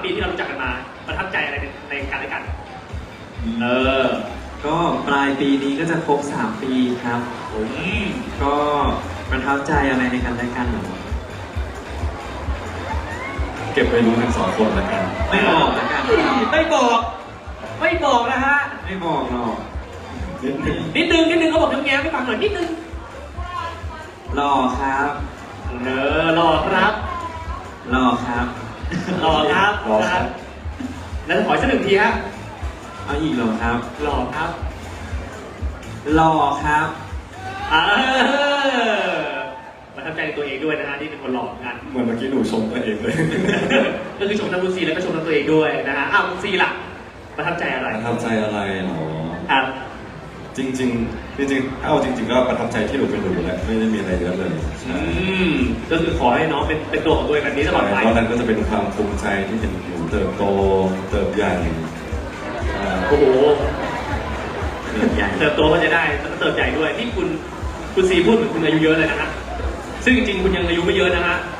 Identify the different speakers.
Speaker 1: ปีที่เรารู้จักกันมาประทับใจอะไรในกันและกัน
Speaker 2: ก็ปลายปีนี้ก็จะครบ3 ปีครับก็ประทับใจอะไรในกันและกันหรอ
Speaker 3: เก็บไปรู้ทั้ง2 คนแล้วกัน
Speaker 2: ไม่บอกแล้วกัน
Speaker 1: ไม่บอกนะฮะ
Speaker 2: ไม่บอกหรอก
Speaker 1: นิดนึงเขาบอกแง้มให้ฟังหน่อยนิดนึง
Speaker 2: หล่อครับ
Speaker 1: หล่อครับ
Speaker 2: หล่อครับ
Speaker 1: หล่อครับแล้วขอสัก1 ทีฮะ
Speaker 2: เอาอีกหรอครับ
Speaker 1: หล่อครับ
Speaker 2: หล่อครับ
Speaker 1: ประทับใจในตัวเองด้วยนะฮะที่เป็นคนหล่อเหมือนกัน
Speaker 3: เหมือนเมื่อกี้หนูชมตัวเองเลย
Speaker 1: ก็คือชมทั้งคุณซีแล้วก็ชมทั้งตัวเองด้วยนะฮะคุณซีล่ะประทับใจอะไร
Speaker 3: ประทับใจอะไรหรอ
Speaker 1: ครับ
Speaker 3: จริงเอาจริงก็ประทับใจที่หนูเป็นหนูแหละไม่ได้มีอะไรเยอะเลย
Speaker 1: ก็คือขอให้น้องเป็นตัวของตัวเองแบบนี้ตลอดไป
Speaker 3: เพราะนั้นก็จะเป็นความภูมิใจที่เห็นหนูเติบโตเติบใหญ่
Speaker 1: โอ้โหเติบโตก็จะได้แล้วก็เติบใหญ่ด้วยที่คุณซีพูดเหมือนคุณอายุเยอะเลยนะฮะซึ่งจริงๆคุณยังอายุไม่เยอะนะฮะ